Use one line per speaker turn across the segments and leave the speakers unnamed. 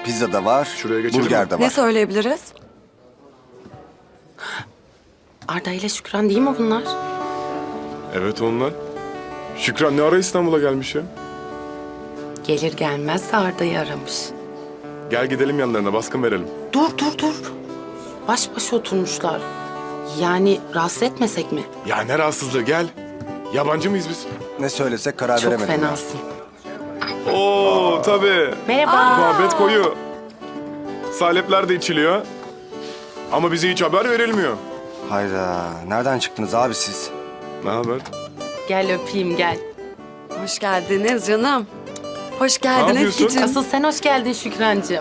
Pizza da var,
Şuraya geçelim
burger
mi?
de
Ne
var.
söyleyebiliriz?
Arda ile Şükran değil mi bunlar?
Evet onlar. Şükran ne ara İstanbul'a gelmiş ya?
Gelir gelmez de Arda'yı aramış.
Gel gidelim yanlarına baskın verelim.
Dur. Baş başa oturmuşlar. Yani rahatsız etmesek mi?
Ya ne rahatsızlığı gel. Yabancı mıyız biz?
Ne söylesek karar
Çok
veremedim.
fenasın.
Oo tabii.
Merhaba.
Muhabbet koyu. Salepler de içiliyor. Ama bize hiç haber verilmiyor.
Hayda, nereden çıktınız abi siz?
Ne haber?
Gel öpeyim gel.
Hoş geldiniz canım. Hoş
Ne
geldin
yapıyorsun?
Ezgi'cim.
Asıl sen hoş geldin Şükrancığım.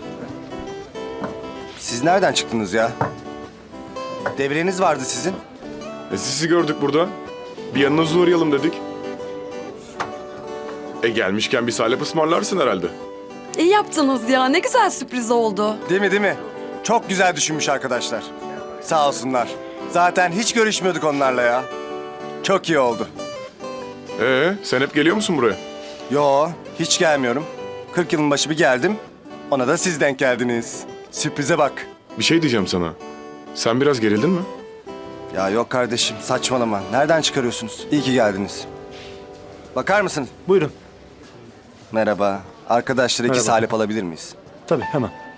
Siz nereden çıktınız ya? Devreniz vardı sizin.
Sizi gördük burada. Bir yanınıza uğrayalım dedik. Gelmişken bir salep ısmarlarsın herhalde.
İyi yaptınız ya. Ne güzel sürpriz oldu.
Değil mi, değil mi? Çok güzel düşünmüş arkadaşlar. Sağ olsunlar. Zaten hiç görüşmüyorduk onlarla ya. Çok iyi oldu.
Sen hep geliyor musun buraya?
Yo, hiç gelmiyorum. 40 yılın başı bir geldim. Ona da siz denk geldiniz. Sürprize bak.
Bir şey diyeceğim sana. Sen biraz gerildin mi?
Ya yok kardeşim, saçmalama. Nereden çıkarıyorsunuz? İyi ki geldiniz. Bakar mısınız?
Buyurun.
Merhaba. Arkadaşlar iki
Merhaba.
salep alabilir miyiz?
Tabii hemen.